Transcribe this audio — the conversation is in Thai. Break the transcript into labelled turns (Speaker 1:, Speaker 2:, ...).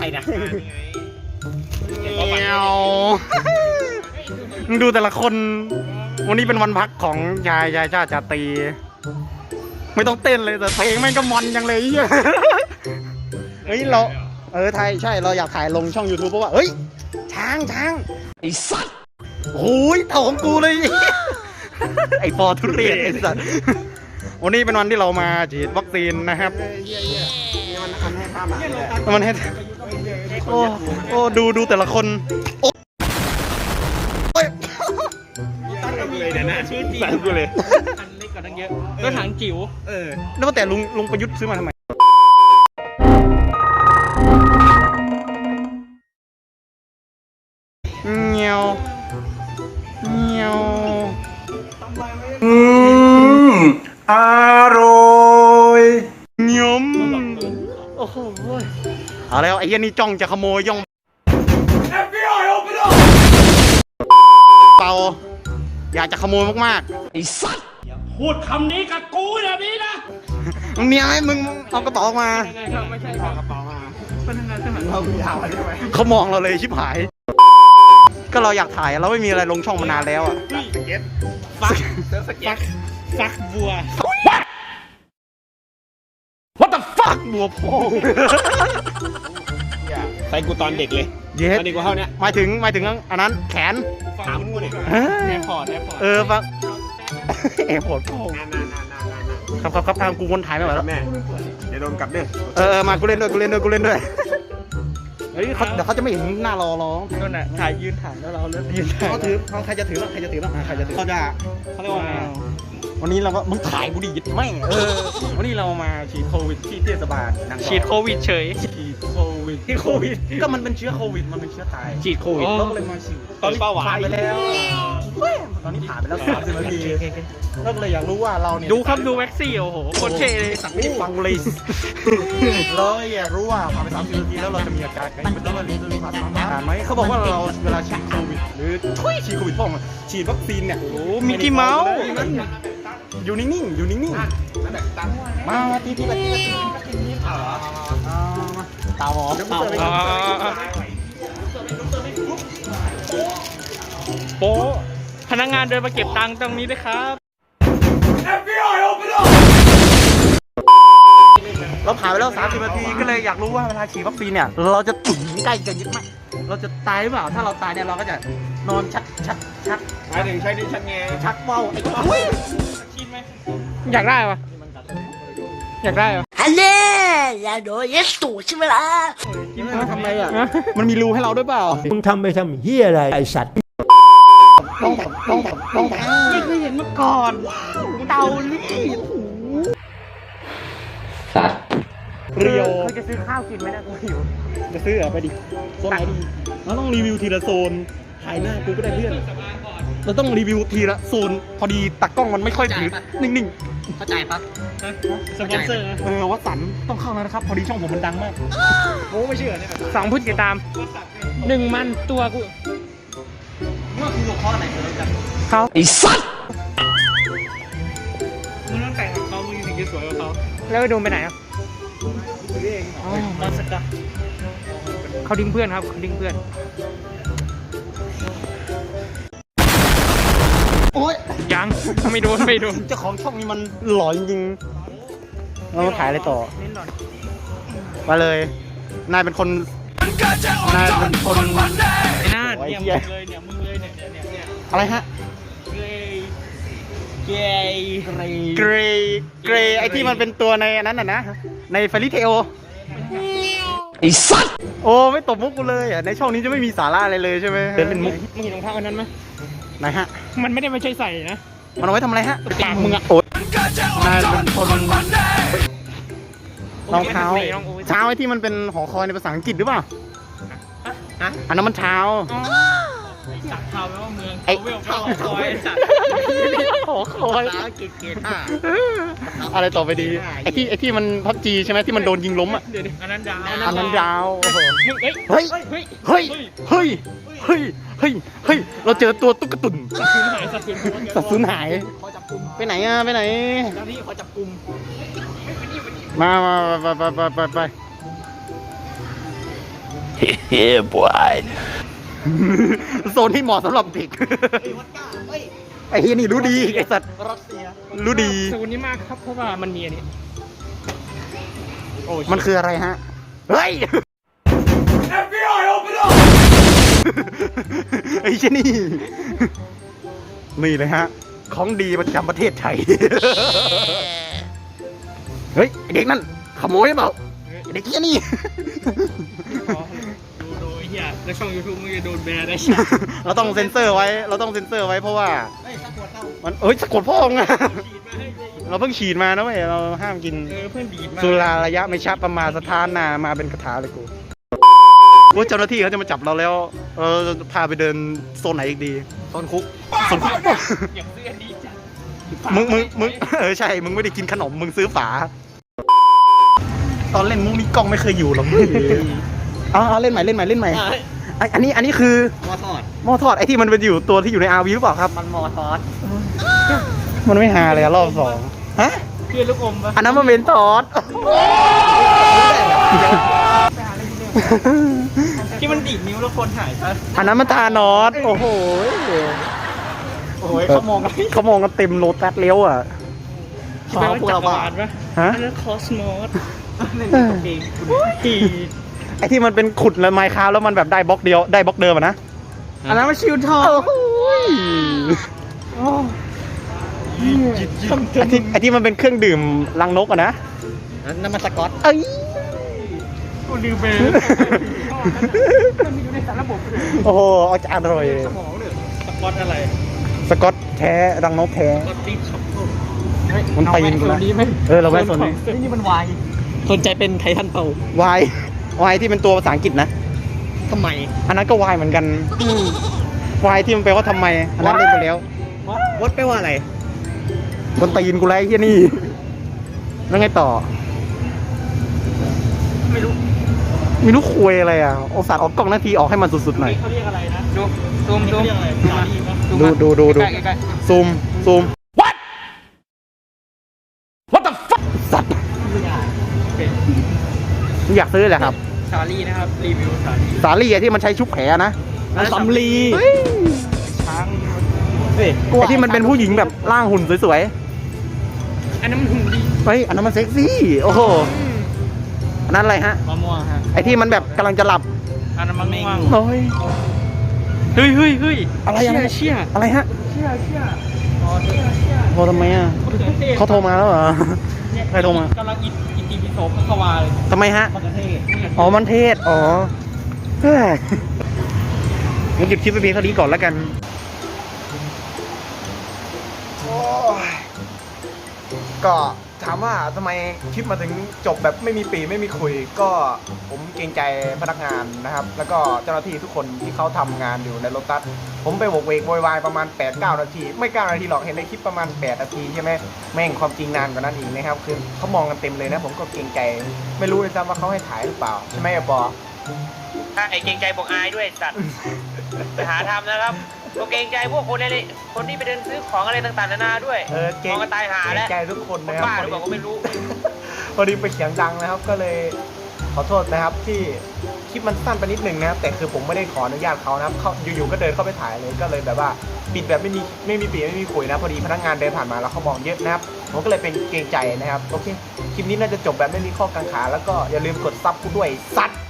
Speaker 1: รนะ
Speaker 2: มึงดูแต่ละคนวันนี้เป็นวันพักของชายชาติตีไม่ต้องเต้นเลยแต่เพลงแม่งก็มันยังเลยเฮ้ยเราไทยใช่เราอยากถ่ายลงช่อง YouTube เพราะว่าเฮ้ยช้างไอ้สัตว์โอ้ยเท่าของกูเลยไอ้ปอทุเรียนไอ้สัตว์วันนี้เป็นวันที่เรามาฉีดวัคซีนนะครับมันให้โอ้ดูแต่ละคน
Speaker 1: เลยเนี่ยนะชื่อจริงสั่งกูเลยอันเล็กกว่าตั้งเยอะก็ถังจิ๋ว
Speaker 2: แล้วแต่ลุงประยุทธ์ซื้อมาทำไมเงี้ยว
Speaker 3: อร่อย
Speaker 2: เงี้ยมโอ้โหเอาแล้วไอ้ยันนี่จ้องจะขโมยย่องเปล่าอยากจะขโมยมากๆไอ้สัตว์
Speaker 1: อย่าพูดคำนี้กับกูแบบนี้นะ
Speaker 2: มึงเนี่ยให้มึงเอากระเป๋ามา
Speaker 1: ไม่ใช่เอากระเป๋ามาเป็นยังไงสมัยเรายาวใช่ไหม
Speaker 2: เขามองเราเลยชิบหายก็เราอยากถ่ายเราไม่มีอะไรลงช่องมานานแล้วอ่ะ
Speaker 1: สเก็ตฟักบัว
Speaker 2: What the fuck บัวพอง
Speaker 1: ใส่กูตอนเด็กเลยตอนเด็กกูเท่านี้
Speaker 2: หมายถึงอันนั้นแขน
Speaker 1: ถามกูเนี่ยแอร์พอร์ต
Speaker 2: ฟังแอร์พอร์ตพ่อครับทางกูวนถ่ายไม่ไหวแล้ว
Speaker 1: แม่เดี๋ยวโดนกลับเด้
Speaker 2: อมากูเล่นด้วยเฮ้ยเดี๋ยวเขาจะไม่เห็นหน้าเรา
Speaker 1: นั่นแหละถ่ายยืนถ่ายแล้วเราเล่นยืนถ่าย
Speaker 2: เขาถือใครจะถือบ้างเขาจะเขาเรียกว่าไงวันนี้เราก็มึงถ่ายกูดิยิดไม่วันนี้เรามาฉีดโควิดที่เทศบาล
Speaker 1: ฉีดโควิดเฉย
Speaker 2: ฉีดโควิดก็มันเป็นเชื้อโควิดมันเป็นเชื้อตาย
Speaker 1: ฉีดโควิด
Speaker 2: เราก็เลยมาฉีด
Speaker 1: ตอนนี้ผ่าน
Speaker 2: ไปแล้วตอนนี้ผ่านไปแล้ว30 นาทีเราเลยอยากรู้ว่าเราเนี่ย
Speaker 1: ดูครับดูแว็กซี่โอ้โหโคตรเท่เลย
Speaker 2: สั่งไม่ได้ฟังเลยเราอยากรู้ว่าผ่านไป30 นาทีแล้วเราจะมีอาการไงแล้วเราจะมีผ่านไหมเขาบอกว่าเราเวลาฉีดโควิดหรือฉีดโควิดพ่อมาฉีดวัคซีนเนี่ย
Speaker 1: โอ้มิกกี้เมาส์
Speaker 2: อยู่นิ่งมาตีตาหมอ
Speaker 1: โป๊พนักงานเดินมาเก็บตังค์ตรงนี้ด้วยครับ
Speaker 3: FBI open up
Speaker 2: เราผ่านไปแล้ว30 นาทีก็เลยอยากรู้ว่าเวลาฉีดวัคซีนเนี่ยเราจะถึงใกล้กันยิ่งไหมเราจะตายหรือเปล่าถ้าเราตายเนี่ยเราก็จะนอนชัก
Speaker 1: หมายถึงใช้ดิชักแง
Speaker 2: ชักเว้าไอ้
Speaker 1: ชินไหมอยากได้ปะ
Speaker 4: ฮัลโหลอย่าโดนยัดตูดใช่ไหมล่ะ
Speaker 2: ทำไรอ่ะมันมีรูให้เราด้วยเปล่า
Speaker 3: มึงทำไปทำเหี้ยอะไรไอสัตว์
Speaker 2: ต้องไม่เคยเห็นมาก่อนเตาลี่
Speaker 3: สัตว์
Speaker 2: เรียวจะซื้อข้าวกินไหมนะกูหิวจะซื้อไปดิโซนไหนดีเราต้องรีวิวทีละโซนถ่ายหน้ากูก็ได้เพื่อนเราต้องรีวิวทีละโซนพอดีตักกล้องมันไม่ค่อยถือนิ่ง
Speaker 4: เข้าใจปะ
Speaker 1: สปอนเซอร์
Speaker 2: วัดสันต้องเข้าแล้วนะครับพอดีช่องผมมันดังมาก
Speaker 1: โอ้ไม่เชื่อเนี่ย2 ผู้ติดตาม1 มันตัวกู
Speaker 2: เมื่อคุณหลบข้อไหนเลยกัน
Speaker 1: เขา
Speaker 3: ไอ้สัตว์
Speaker 1: มึงต้องแต่งกับเขามึงถึงจะสวยกว่าเขาแล้วไปดูไปไหนอ่ะมาสักกะเขาดิ้งเพื่อนครับเขาดิ้งเพื่อน
Speaker 2: โอ๊ย
Speaker 1: ยังไม่โดน
Speaker 2: เจ้าของช่องนี้มันหล่อจริงๆเราขายอะไรต่อมาเลยนายเป็นคน
Speaker 1: ไอ้นาดเนี่ยมึงเลยเนี่ย
Speaker 2: อะไรฮะ
Speaker 1: เกร
Speaker 2: ย์ไอที่มันเป็นตัวในนั้นน่ะนะในเฟริเทล
Speaker 3: ไอ้สัตว์
Speaker 2: โอ้ไม่ตบมุกกูเลยอ่ะในช่องนี้จะไม่มีสาระอะไรเลยใช่ไหม
Speaker 1: เป็นมุกมึงเห็นรองเท้าอันนั้นไหม
Speaker 2: ไหนฮะ
Speaker 1: มันไม่ได้ไม่ใช่ใส่นะ
Speaker 2: มันเอาไว้ทำอะไรฮะ
Speaker 1: ปากมึงอะ
Speaker 2: โอ๊ยนายเป็นคนรองเท้าไอ้ที่มันเป็นหอคอยในภาษาอังกฤษหรือเปล่าอันนั้นมันเท้า
Speaker 1: สักเท้าแปลว่าเมืองไอ้หอคอยสัก
Speaker 2: หอคอยอะไรต่อไปดีไอ้ที่มันพับจีใช่ไหมที่มันโดนยิงล้มอ่ะ
Speaker 1: อันนั้น
Speaker 2: ดาวเฮ้ยเราเจอตัวตุ๊กตุ่นสัตว์สูญหายไปไหนอ่ะไปไหน
Speaker 1: นี่ขอจับกลุ่ม
Speaker 2: มาไป
Speaker 3: เฮ้ยบอย
Speaker 2: โซนที่เหมาะสำหรับเด็กไอ้เฮียนี่รู้ดีไอ้สัตว์รู้ดี
Speaker 1: โซนนี้มากครับเพราะว่ามันมีอันนี้โอ้ย
Speaker 2: มันคืออะไรฮะ เฮ้ย ไอ้เจนี่ นี่เลยฮะ ของดีประจำประเทศไทย เฮ้ยไอ้เด็กนั่นขโมยหรือเปล่าไอ้เด็กเจนี่
Speaker 1: ดูไอ้เหี้ยแล้วช่อง YouTube มึงจะโดนแบนได้
Speaker 2: เราต้องเซ็นเซอร์ไว้ เราต้องเซ็นเซอร์ไว้เพราะว่ามันสะกดพ่อไงเราเพิ่งฉีดมานะเว้ย เราห้ามกิน
Speaker 1: เพื่อนดีดมา
Speaker 2: สุราระยะไม่ชับประมาณสถานนามาเป็นคาถาเลยกูว่าเจ้าหน้าที่เขาจะมาจับเราแล้วเราจะพาไปเดินโซนไหนอีกดีโซนคุกโซนคุก
Speaker 1: อย่างเสื้อดีจัด
Speaker 2: มึงใช่มึงไม่ได้กินขนมมึงซื้อฝา ตอนเล่นมุกนี้กล้องไม่เคยอยู่หรอกเอาเล่นใหม่อันนี้คือหม้อทอดไอ้ที่มันเป็นอยู่ตัวที่อยู่ในอาวีหรือเปล่าครับมันหม้อทอดมันไม่หาเลยอะรอบสองฮะ
Speaker 1: เพื่อนลูกอมปะ
Speaker 2: อันนั้นมันเป็นทอด
Speaker 1: ที่มันดีดนิ้วแล้วคนหายปะ
Speaker 2: อันนั้นมันทานอสโอ้โห
Speaker 1: เขามองกัน
Speaker 2: เต็มโลตัสเลี้ยวอ่ะ
Speaker 1: คิดว่าจักรวาลปะ
Speaker 2: ฮะ
Speaker 1: อันนั้นคอสมอสนั่นเป็นตัวเองที่
Speaker 2: ไอ้ที่มันเป็นขุดแล้วไมค์คราฟแล้วมันแบบได้บล็อกเดียวได้บล็อกเดิมอะนะ
Speaker 1: อันนั้นมันชิวทอ
Speaker 2: ไอ้ที่มันเป็นเครื่องดื่มรังนกอะนะ
Speaker 1: นั่นมันสกอต
Speaker 2: เอ้ย
Speaker 1: กูลืมไปมันมีอยู่ในสารระบบเลย
Speaker 2: โอ้โหเอาจานอร่อย
Speaker 1: สมองเลยสกอตอะไร
Speaker 2: สกอตแท้รังนกแท้
Speaker 1: สกอตตีช็อปโล
Speaker 2: มันตีนกูละเราแวะโซนนี้
Speaker 1: นี่มันวายสนใจเป็นไททันเปล่าว
Speaker 2: ายที่เป็นตัวภาษาอังกฤษนะ
Speaker 1: ทำไม
Speaker 2: อันนั้นก็วายเหมือนกันวายที่มันแปลว่าทำไมอันนั้นเล่นไปแล้ว
Speaker 1: วอดแปลว่าอะไร
Speaker 2: คนตีนกูแล้วไอ้เหี้ยนี่แล้วไงต่อ
Speaker 1: ไม่รู้
Speaker 2: ไม่รู้คุยอะไรอ่ะโอสัตว์ออกกล้องนาทีออกให้มันสุดๆหน่อย
Speaker 1: เขาเรียกอะไรนะดูซูมเรียกอะไรสาลีปะ
Speaker 2: ดู
Speaker 1: ใกล้
Speaker 2: ซูมWhat the fuck สัตว์
Speaker 1: เป็น
Speaker 2: อยากซื้อแหละครับ
Speaker 1: สาลีนะครับรีวิวสาลี
Speaker 2: สาลี่ที่มันใช้ชุบแผลนะ
Speaker 1: สำลี
Speaker 2: เฮ้ย
Speaker 1: ช้างเฮ้ย
Speaker 2: ไอที่มันเป็นผู้หญิงแบบร่างหุ่นสวย
Speaker 1: อันนั้นมันหุ่นดี
Speaker 2: ๆเฮ้ยอันนั้นมันเซ็กซี่โอ้โหอันนั้นอะไรฮะ
Speaker 1: มะม่วงฮะ
Speaker 2: ไอที่มันแบบกำลังจะหลับ
Speaker 1: อันนั้นมะม่วง
Speaker 2: โอ้ย
Speaker 1: เฮ้ย
Speaker 2: อะไรอะ
Speaker 1: เชี่ย
Speaker 2: อะไรฮะ
Speaker 1: เชี่ย
Speaker 2: โทรทำไมอ่ะเขาโทรมาแล้วเหรอใครโทรมาก
Speaker 1: ำลังอิติปิโสเข้าวาเลย
Speaker 2: ทำไมฮะ
Speaker 1: มะเขือเทศ
Speaker 2: อ๋อ มันเทศ อ๋อเฮ้ยงั้นหยุดคลิปไปเพียงเท่านี้ก่อนแล้วกัน ก็ถามว่าทำไมคลิปมาถึงจบแบบไม่มีปีไม่มีคุย ก็ผมเกรงใจพนักงานนะครับ แล้วก็เจ้าหน้าที่ทุกคนที่เขาทำงานอยู่ในโลตัส ผมไปโวกเวกโวยวายประมาณ 8-9 นาที ไม่ 9 นาทีหรอก เห็นในคลิปประมาณ 8 นาทีใช่ไหมแม่งความจริงนานกว่านั้นอีกนะครับ คือเขามองกันเต็มเลยนะ ผมก็เกรงใจ ไม่รู้เลยซ้ำว่าเขาให้ถ่ายหรือเปล่า ใช่ไหมอะปอ
Speaker 5: ไอ้เกรงใจบอกอายด้วยสัตว์ ไปหาทำนะครับตัวเกรงใจพวกคนในคนที่ไปเดินซื้อของอะไรต่างๆนานาด้วย
Speaker 2: เกรง
Speaker 5: มองกันตายหาแล้ว
Speaker 2: ใจทุกคนนะครับ
Speaker 5: บ้าหรือเปล่าก็ไม่รู้
Speaker 2: พอดีไปเสียงดังนะครับ ก็เลยขอโทษนะครับที่คลิปมันสั้นไปนิดนึงนะครับ แต่คือผมไม่ได้ขออนุญาตเขานะครับเขาอยู่ๆก็เดินเข้าไปถ่ายเลยก็เลยแบบว่าปิดแบบไม่มีปีไม่มีคุยนะพอดีพนักงานเดินผ่านมาแล้วเขามองเยอะนะครับผมก็เลยเป็นเกรงใจนะครับโอเคคลิปนี้น่าจะจบแบบไม่มีข้อกังขาแล้วก็อย่าลืมกดซับกูด้วยสัตว์